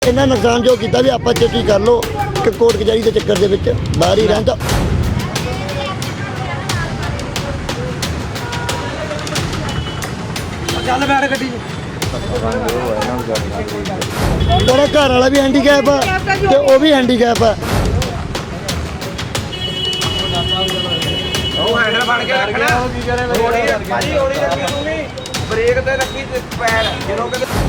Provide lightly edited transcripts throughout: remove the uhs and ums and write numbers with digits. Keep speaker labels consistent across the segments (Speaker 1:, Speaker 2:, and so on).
Speaker 1: इन्ना नुकसान जो किया भी आप चेती कर लो कि कोर्ट कचहरी के चक्कर के बाहर ही रहता। तेरा घर वाला भी हैंडीकैप है तो वह भी हैंडीकैप है।
Speaker 2: ब्रेक ते रखी पैर जो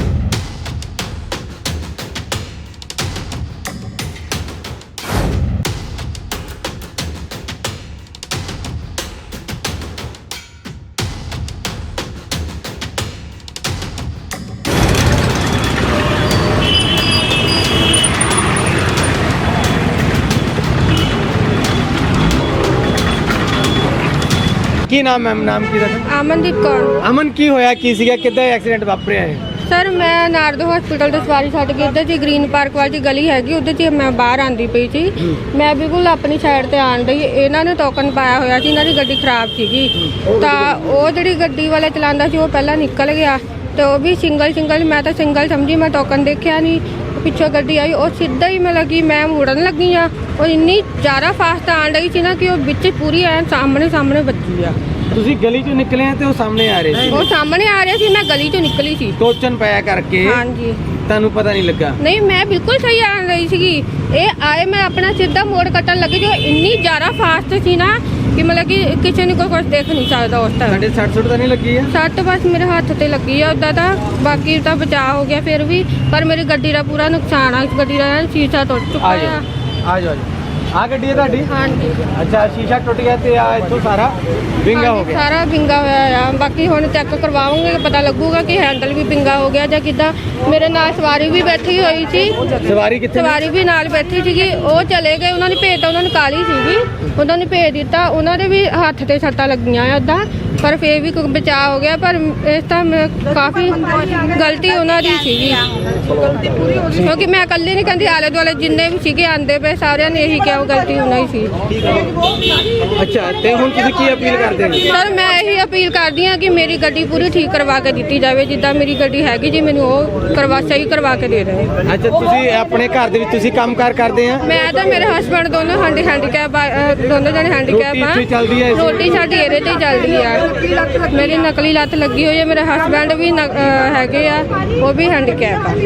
Speaker 2: की नाम मैम नाम की
Speaker 3: अमनदीप कौर।
Speaker 2: अमन की होया की सीगा किद्दां एक्सीडेंट वापरिया है?
Speaker 3: सर मैं नारदो हॉस्पिटल ਤੋਂ ਸਵਾਰੀ ਛੱਡ ਕੇ ਇੱਧਰ ਜੀ ਗ੍ਰੀਨ ਪਾਰਕ ਵਾਲੀ ਗਲੀ ਹੈਗੀ ਉਧਰ ਜੀ ਮੈਂ ਬਾਹਰ ਆਂਦੀ ਪਈ ਸੀ। ਮੈਂ ਬਿਲਕੁਲ ਆਪਣੀ ਸਾਈਡ ਤੇ ਆਣ ਰਹੀ, ਇਹਨਾਂ ਨੇ ਟੋਕਨ ਪਾਇਆ ਹੋਇਆ ਸੀ, ਇਹਨਾਂ ਦੀ ਗੱਡੀ ਖਰਾਬ ਸੀਗੀ ਤਾਂ ਉਹ ਜਿਹੜੀ ਗੱਡੀ ਵਾਲਾ ਚਲਾਉਂਦਾ ਸੀ ਉਹ ਪਹਿਲਾਂ ਨਿਕਲ ਗਿਆ ਤੇ ਉਹ ਵੀ ਸਿੰਗਲ ਮੈਂ ਤਾਂ ਸਿੰਗਲ ਸਮਝੀ, ਮੈਂ ਟੋਕਨ ਦੇਖਿਆ ਨਹੀਂ। ਪਿੱਛੋਂ ਗੱਡੀ ਆਈ ਉਹ ਸਿੱਧਾ ਹੀ ਮੈਂ ਲੱਗੀ, ਮੈਂ ਮੁੜਨ ਲੱਗੀ ਆ ਉਹ ਇੰਨੀ ਜ਼ਿਆਦਾ ਫਾਸਟ ਆਣ ਰਹੀ ਸੀ ਨਾ ਕਿ ਉਹ ਵਿੱਚ ਪੂਰੀ ਐ ਸਾਹਮਣੇ ਵੱਜੀ ਆ।
Speaker 2: ਤੁਸੀਂ ਗਲੀ ਚੋਂ ਨਿਕਲੇ ਆ ਤੇ ਉਹ ਸਾਹਮਣੇ ਆ ਰਹੇ ਸੀ?
Speaker 3: ਉਹ ਸਾਹਮਣੇ ਆ ਰਹੇ ਸੀ, ਮੈਂ ਗਲੀ ਚੋਂ ਨਿਕਲੀ ਸੀ।
Speaker 2: ਟੋਚਨ ਪਾਇਆ ਕਰਕੇ
Speaker 3: ਹਾਂਜੀ
Speaker 2: ਤੁਹਾਨੂੰ ਪਤਾ ਨਹੀਂ ਲੱਗਾ?
Speaker 3: ਨਹੀਂ ਮੈਂ ਬਿਲਕੁਲ ਸਹੀ ਆ ਰਹੀ ਸੀਗੀ, ਇਹ ਆਏ ਮੈਂ ਆਪਣਾ ਸਿੱਧਾ ਮੋੜ ਕੱਟਣ ਲੱਗੀ ਜੋ ਇੰਨੀ ਜ਼ਿਆਦਾ ਫਾਸਟ ਸੀ ਨਾ ਕਿ ਮਤਲਬ ਕਿ ਕਿਸੇ ਨੂੰ ਕੋਈ ਕੁਝ ਦੇਖ ਨਹੀਂ ਸਕਦਾ ਉਸ ਟਾਈਮ।
Speaker 2: ਸਾਡੇ 60 ਤਾਂ ਨਹੀਂ ਲੱਗੀ ਆ?
Speaker 3: ਸੱਟ ਬਸ ਮੇਰੇ ਹੱਥ ਤੇ ਲੱਗੀ ਆ, ਉੱਦਾਂ ਤਾਂ ਬਾਕੀ ਤਾਂ ਬਚਾਅ ਹੋ ਗਿਆ ਫਿਰ ਵੀ, ਪਰ ਮੇਰੀ ਗੱਡੀ ਦਾ ਪੂਰਾ ਨੁਕਸਾਨ ਆ। ਇਸ ਗੱਡੀ ਦਾ ਸ਼ੀਸ਼ਾ ਟੁੱਟ ਚੁੱਕਾ ਆ।
Speaker 2: ਆ ਜਾਓ ਆ ਗੱਡੀ ਹੈ ਤੁਹਾਡੀ?
Speaker 3: ਹਾਂਜੀ
Speaker 2: ਅੱਛਾ ਸ਼ੀਸ਼ਾ ਟੁੱਟ ਗਿਆ ਤੇ ਆ ਇੱਥੋਂ ਸਾਰਾ ਵਿੰਗਾ ਹੋ ਗਿਆ?
Speaker 3: ਸਾਰਾ ਵਿੰਗਾ ਹੋਇਆ ਆ। ਬਾਕੀ ਹੁਣ ਚੈੱਕ ਕਰਵਾਵਾਂਗੇ, ਪਤਾ ਲੱਗੂਗਾ ਕਿ ਹੈਂਡਲ ਵੀ ਵਿੰਗਾ ਹੋ ਗਿਆ ਜਾਂ ਕਿੱਦਾਂ। ਮੇਰੇ ਨਾਲ ਸਵਾਰੀ ਵੀ ਬੈਠੀ ਹੋਈ ਸੀ।
Speaker 2: ਸਵਾਰੀ ਕਿੱਥੇ? ਸਵਾਰੀ
Speaker 3: ਵੀ ਨਾਲ ਬੈਠੀ ਸੀਗੀ, ਉਹ ਚਲੇ ਗਏ, ਉਹਨਾਂ ਨੇ ਭੇਜਤਾ, ਉਹਨਾਂ ਨੂੰ ਕਾਲੀ ਸੀਗੀ, ਉਹਨਾਂ ਨੇ ਭੇਜ ਦਿੱਤਾ। ਉਹਨਾਂ ਦੇ ਵੀ ਹੱਥ ਤੇ ਸੱਟਾਂ ਲੱਗੀਆਂ ਆ ਉੱਦਾਂ, ਪਰ ਫੇਰ ਵੀ ਬਚਾਅ ਹੋ ਗਿਆ। ਪਰ ਇਸ ਤਾਂ ਕਾਫੀ ਗਲਤੀ ਉਹਨਾਂ ਦੀ ਸੀਗੀ ਕਿਉਂਕਿ ਮੈਂ ਇਕੱਲੇ ਨਹੀਂ ਕਹਿੰਦੀ, ਆਲੇ ਦੁਆਲੇ ਜਿੰਨੇ ਵੀ ਸੀਗੇ ਆਂਦੇ ਪਏ ਸਾਰਿਆਂ ਨੇ ਇਹੀ ਕਿਹਾ ਗਲਤੀ ਉਹਨਾਂ ਹੀ ਸੀ।
Speaker 2: ਅੱਛਾ ਤੇ ਹੁਣ ਤੁਸੀਂ ਕੀ ਅਪੀਲ ਕਰਦੇ ਹੋ?
Speaker 3: ਸਰ ਮੈਂ ਇਹੀ ਅਪੀਲ ਕਰਦੀ ਹਾਂ ਕਿ ਮੇਰੀ ਗੱਡੀ ਪੂਰੀ ਠੀਕ ਕਰਵਾ ਕੇ ਦਿੱਤੀ ਜਾਵੇ, ਜਿੱਦਾਂ ਮੇਰੀ ਗੱਡੀ ਹੈਗੀ ਜੀ ਮੈਨੂੰ ਉਹ ਸਹੀ ਕਰਵਾ ਕੇ ਦੇ ਰਹੇ।
Speaker 2: ਅੱਛਾ ਤੁਸੀਂ ਆਪਣੇ ਘਰ ਦੇ ਵਿੱਚ ਤੁਸੀਂ ਕੰਮਕਾਰ ਕਰਦੇ ਆ?
Speaker 3: ਮੈਂ ਤਾਂ ਮੇਰੇ ਹਸਬੰਡ ਦੋਨੋਂ ਹੈਂਡੀਕੈਪ, ਦੋਨੋਂ ਜਣੇ ਹੈਂਡੀਕੈਪ ਆ। ਰੋਟੀ ਸਾਡੀ ਇਹਦੇ ਤੇ ਹੀ ਚੱਲਦੀ ਆ। ਮੇਰੀ ਨਕਲੀ ਲੱਤ ਲੱਗੀ ਹੋਈ ਹੈ, ਮੇਰੇ ਹਸਬੰਡ ਵੀ ਹੈਗੇ ਆ, ਉਹ ਵੀ ਹੈਂਡੀਕੈਪ ਆ।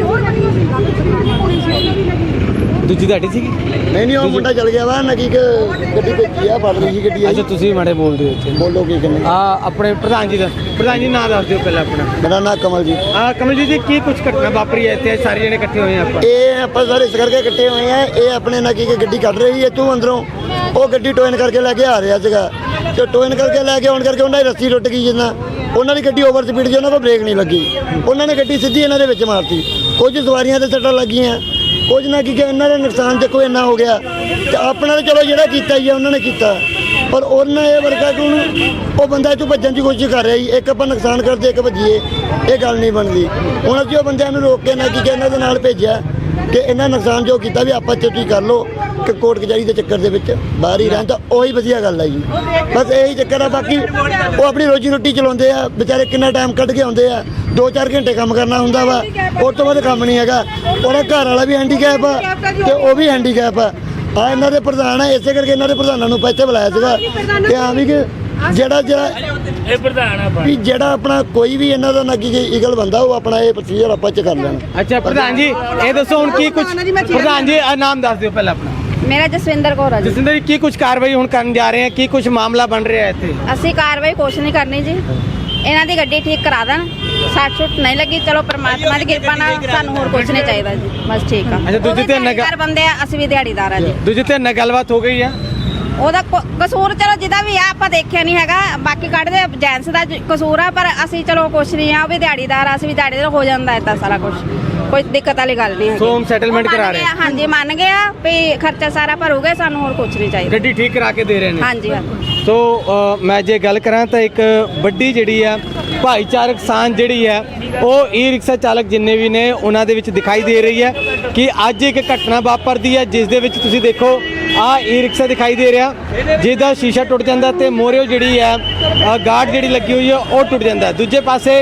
Speaker 2: ਦੂਜੀ ਤੁਹਾਡੀ ਸੀਗੀ?
Speaker 1: नहीं वो मुंडा चल गया वा नकी गड्डी भेजी है, फड़ रही सी गड्डी।
Speaker 2: ਅੱਛਾ ਤੁਸੀਂ ਮਾੜੇ ਬੋਲਦੇ ਹੋ ਇੱਥੇ?
Speaker 1: बोलो की कहने?
Speaker 2: ਆਪਣੇ ਪ੍ਰਧਾਨ ਜੀ ਨਾਂ ਦੱਸ ਦਿਓ ਪਹਿਲਾਂ ਆਪਣਾ।
Speaker 1: मेरा नाम कमल जी।
Speaker 2: ਕਮਲਜੀਤ ਜੀ ਕੀ ਕੁਝ ਘਟਨਾ ਵਾਪਰੀ ਹੈ ਇੱਥੇ? ਸਾਰੇ ਜਣੇ ਇਕੱਠੇ ਹੋਏ ਆ ਆਪਾਂ?
Speaker 1: ये आप सर इस करके इकट्ठे हुए हैं, ये अपने नकी की गड्डी कट रही है तू अंदरों, वो गड्डी टोइन करके लेके आ रहा सीगा तो टोइन करके लेके आने करके उन्होंने रस्सी टुट गई जिन्ना उन्होंने गड्डी ओवर स्पीड जी उन्होंने ब्रेक नहीं लगी, उन्होंने गड्डी सीधी इन्होंने विच मारती। कुछ सवारियां ते सट्टां लगियां, कुछ ना कि इन्होंने नुकसान देखो इन्ना हो गया तो अपना तो चलो जो किया ही है उन्होंने किया, पर उन्हें यह वर्गा कि हूँ वो बंदा इतों भजन की कोशिश कर रहा है। एक आप नुकसान करते एक भजीए, ये गल नहीं बनती। हूँ अभी बंद रोक के ना कि इन्होंने नाल भेजा कि इन्हें नुकसान जो किया भी आप चेती कर लो कि कोर्ट कचहरी के चक्कर के बाहर ही रहता, वही वधिया गल है जी। बस यही चक्कर है, बाकी वो अपनी रोजी रोटी चलाते हैं बेचारे, कितना टाइम कढ़ के आते हैं, 2-4 घंटे काम करना होंगे वा, उस तो बाद काम नहीं है। और घर वाला भी हैंडीकैप है तो वह भी हैंडीकैप है। हाँ इन्हों के प्रधान है, इस करके इन्होंने प्रधानों को इतने बुलाया था कि हाँ भी कि ਜਿਹੜਾ ਆਪਣਾ ਕੋਈ ਵੀ ਇਹਨਾਂ ਦਾ ਨੱਗੀ ਈਗਲ ਬੰਦਾ ਉਹ ਆਪਣਾ ਇਹ ਪ੍ਰੋਸੀਜਰ ਆਪਾਂ ਚ ਕਰ ਲੈਣ।
Speaker 2: ਅੱਛਾ ਪ੍ਰਧਾਨ ਜੀ ਇਹ ਦੱਸੋ ਹੁਣ ਕੀ ਕੁਝ, ਪ੍ਰਧਾਨ ਜੀ ਨਾਮ ਦੱਸ ਦਿਓ ਪਹਿਲਾਂ ਆਪਣਾ।
Speaker 4: मेरा जसविंदर कौर है जी।
Speaker 2: ਜਸਵਿੰਦਰ ਜੀ ਕੀ ਕੁਝ ਕਾਰਵਾਈ ਹੁਣ ਕਰਨ ਜਾ ਰਹੇ ਆ, ਕੀ ਕੁਝ ਮਾਮਲਾ ਬਣ ਰਿਹਾ ਹੈ ਇੱਥੇ?
Speaker 4: ਅਸੀਂ ਕਾਰਵਾਈ ਕੁਛ ਨਹੀਂ ਕਰਨੀ ਜੀ, ਇਹਨਾਂ ਦੀ ਗੱਡੀ ਠੀਕ ਕਰਾ ਦੇਣ, ਸੱਟ ਸੁੱਟ ਨਹੀਂ ਲੱਗੀ, ਚਲੋ ਪਰਮਾਤਮਾ ਦੀ ਕਿਰਪਾ ਨਾਲ ਸਾਨੂੰ ਹੋਰ ਕੁਝ ਨਹੀਂ ਚਾਹੀਦਾ ਜੀ, ਬਸ ਠੀਕ ਆ।
Speaker 2: ਅੱਛਾ ਦੂਜੇ ਤੇ
Speaker 4: ਦਿਹਾੜੀਦਾਰ ਬੰਦੇ ਆ, ਅਸੀਂ ਵੀ ਦਿਹਾੜੀਦਾਰ ਆ ਜੀ।
Speaker 2: ਦੂਜੇ ਤੇ ਨਾਲ ਗੱਲਬਾਤ ਹੋ ਗਈ ਆ?
Speaker 4: ਉਹਦਾ ਕਸੂਰ ਚਲੋ ਜਿਹਦਾ ਵੀ ਆ ਆਪਾਂ ਦੇਖਿਆ ਨਹੀਂ ਹੈਗਾ, ਬਾਕੀ ਕੱਢਦੇ ਜੈਂਟਸ ਦਾ ਕਸੂਰ ਆ, ਪਰ ਅਸੀਂ ਚਲੋ ਕੁਛ ਨਹੀਂ ਆ, ਉਹ ਵੀ ਦਿਹਾੜੀਦਾਰ ਆ, ਅਸੀਂ ਵੀ ਦਿਹਾੜੀਦਾਰ, ਹੋ ਜਾਂਦਾ ਏਦਾਂ ਸਾਰਾ ਕੁਝ, ਕੋਈ ਦਿੱਕਤ ਵਾਲੀ ਗੱਲ ਨਹੀਂ ਹੈ।
Speaker 2: ਸੋ ਸੈਟਲਮੈਂਟ ਕਰਾ ਰਹੇ?
Speaker 4: ਹਾਂਜੀ ਮੰਨ ਗਏ ਆ ਵੀ ਖਰਚਾ ਸਾਰਾ ਭਰੂਗੇ, ਸਾਨੂੰ ਹੋਰ ਕੁਝ ਨਹੀਂ ਚਾਹੀਦਾ।
Speaker 2: ਗੱਡੀ ਠੀਕ ਕਰਾ ਕੇ ਦੇ ਰਹੇ ਨੇ?
Speaker 4: ਹਾਂਜੀ ਹਾਂਜੀ।
Speaker 2: ਸੋ ਮੈਂ ਜੇ ਗੱਲ ਕਰਾਂ ਤਾਂ ਇੱਕ ਵੱਡੀ ਜਿਹੜੀ ਆ ਭਾਈਚਾਰਕ ਸਾਂਝ ਜਿਹੜੀ ਹੈ ਉਹ ਈ ਰਿਕਸ਼ਾ ਚਾਲਕ ਜਿੰਨੇ ਵੀ ਨੇ ਉਹਨਾਂ ਦੇ ਵਿੱਚ ਦਿਖਾਈ ਦੇ ਰਹੀ ਹੈ ਕਿ ਅੱਜ ਇੱਕ ਘਟਨਾ ਵਾਪਰਦੀ ਹੈ ਜਿਸ ਦੇ ਵਿੱਚ ਤੁਸੀਂ ਦੇਖੋ ਆ ਈ ਰਿਕਸ਼ਾ ਦਿਖਾਈ ਦੇ ਰਿਹਾ ਜਿਹਦਾ ਸ਼ੀਸ਼ਾ ਟੁੱਟ ਜਾਂਦਾ ਤੇ ਮੋਰਿਓ ਜਿਹੜੀ ਹੈ ਗਾਰਡ ਜਿਹੜੀ ਲੱਗੀ ਹੋਈ ਹੈ ਉਹ ਟੁੱਟ ਜਾਂਦਾ। ਦੂਜੇ ਪਾਸੇ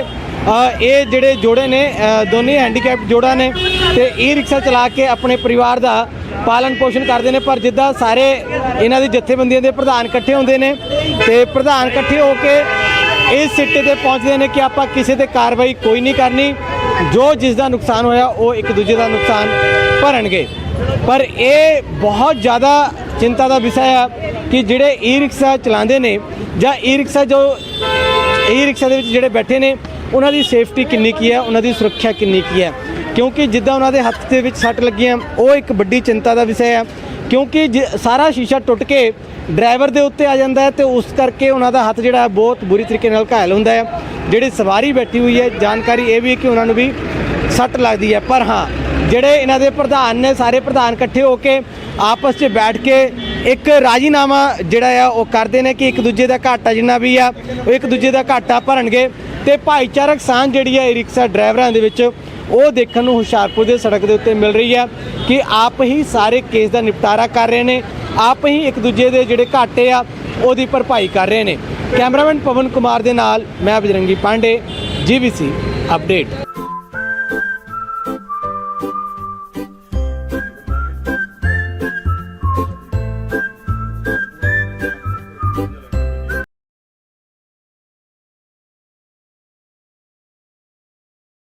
Speaker 2: ਇਹ ਜਿਹੜੇ ਜੋੜੇ ਨੇ ਦੋਨੇ ਹੈਂਡੀਕੈਪ ਜੋੜਾ ਨੇ ਤੇ ਈ ਰਿਕਸ਼ਾ ਚਲਾ ਕੇ ਆਪਣੇ ਪਰਿਵਾਰ ਦਾ ਪਾਲਣ ਪੋਸ਼ਣ ਕਰਦੇ ਨੇ। ਪਰ ਜਿੱਦਾਂ ਸਾਰੇ ਇਹਨਾਂ ਦੀ ਜਥੇਬੰਦੀਆਂ ਦੇ ਪ੍ਰਧਾਨ ਇਕੱਠੇ ਹੁੰਦੇ ਨੇ ਤੇ ਪ੍ਰਧਾਨ ਇਕੱਠੇ ਹੋ ਕੇ ਇਸ ਸਿੱਟੇ ਤੇ ਪਹੁੰਚਦੇ ਨੇ ਕਿ ਆਪਾਂ ਕਿਸੇ ਤੇ ਕਾਰਵਾਈ ਕੋਈ ਨਹੀਂ ਕਰਨੀ, ਜੋ ਜਿਸ ਦਾ ਨੁਕਸਾਨ ਹੋਇਆ ਉਹ ਇੱਕ ਦੂਜੇ ਦਾ ਨੁਕਸਾਨ ਭਰਨਗੇ। ਪਰ ਇਹ ਬਹੁਤ ਜ਼ਿਆਦਾ ਚਿੰਤਾ ਦਾ ਵਿਸ਼ਾ ਹੈ ਕਿ ਜਿਹੜੇ ਈ ਰਿਕਸ਼ਾ ਚਲਾਉਂਦੇ ਨੇ ਜਾਂ ਈ ਰਿਕਸ਼ਾ ਦੇ ਵਿੱਚ ਜਿਹੜੇ ਬੈਠੇ ਨੇ ਉਹਨਾਂ ਦੀ ਸੇਫਟੀ ਕਿੰਨੀ ਕੀ ਹੈ, ਉਹਨਾਂ ਦੀ ਸੁਰੱਖਿਆ ਕਿੰਨੀ ਕੀ ਹੈ, ਕਿਉਂਕਿ ਜਿੱਦਾਂ ਉਹਨਾਂ ਦੇ ਹੱਥ ਦੇ ਵਿੱਚ ਸੱਟ ਲੱਗੀਆਂ ਉਹ ਇੱਕ ਵੱਡੀ ਚਿੰਤਾ ਦਾ ਵਿਸ਼ਾ ਹੈ। ਕਿਉਂਕਿ ਸਾਰਾ ਸ਼ੀਸ਼ਾ ਟੁੱਟ ਕੇ ਡਰਾਈਵਰ ਦੇ ਉੱਤੇ ਆ ਜਾਂਦਾ ਹੈ ਤੇ ਉਸ ਕਰਕੇ ਉਹਨਾਂ ਦਾ ਹੱਥ ਜਿਹੜਾ ਬਹੁਤ ਬੁਰੀ ਤਰੀਕੇ ਨਾਲ ਘਾਇਲ ਹੁੰਦਾ ਹੈ। ਜਿਹੜੀ ਸਵਾਰੀ ਬੈਠੀ ਹੋਈ ਹੈ, ਜਾਣਕਾਰੀ ਇਹ ਵੀ ਹੈ ਕਿ ਉਹਨਾਂ ਨੂੰ ਵੀ ਸੱਟ ਲੱਗਦੀ ਹੈ। ਪਰ ਹਾਂ, ਜਿਹੜੇ ਇਹਨਾਂ ਦੇ ਪ੍ਰਧਾਨ ਨੇ, ਸਾਰੇ ਪ੍ਰਧਾਨ ਇਕੱਠੇ ਹੋ ਕੇ ਆਪਸ 'ਚ ਬੈਠ ਕੇ ਇੱਕ ਰਾਜੀਨਾਮਾ ਜਿਹੜਾ ਆ ਉਹ ਕਰਦੇ ਨੇ ਕਿ ਇੱਕ ਦੂਜੇ ਦਾ ਘਾਟਾ ਜਿੰਨਾ ਵੀ ਆ ਉਹ ਇੱਕ ਦੂਜੇ ਦਾ ਘਾਟਾ ਭਰਨਗੇ। ਤੇ ਭਾਈਚਾਰਕ ਸਾਂਝ ਜਿਹੜੀ ਹੈ ਰਿਕਸ਼ਾ ਡਰਾਈਵਰਾਂ ਦੇ ਵਿੱਚ ਉਹ ਦੇਖਣ ਨੂੰ ਹੁਸ਼ਿਆਰਪੁਰ ਦੇ ਸੜਕ ਦੇ ਉੱਤੇ ਮਿਲ ਰਹੀ ਹੈ ਕਿ ਆਪ ਹੀ ਸਾਰੇ ਕੇਸ ਦਾ ਨਿਪਟਾਰਾ ਕਰ ਰਹੇ ਨੇ, ਆਪ ਹੀ ਇੱਕ ਦੂਜੇ ਦੇ ਜਿਹੜੇ ਘਾਟੇ ਆ ਉਹਦੀ ਭਰਪਾਈ ਕਰ ਰਹੇ ਨੇ। ਕੈਮਰਾਮੈਨ ਪਵਨ ਕੁਮਾਰ ਦੇ ਨਾਲ ਮੈਂ ਬਜਰੰਗੀ ਪਾਂਡੇ, GVC ਅਪਡੇਟ।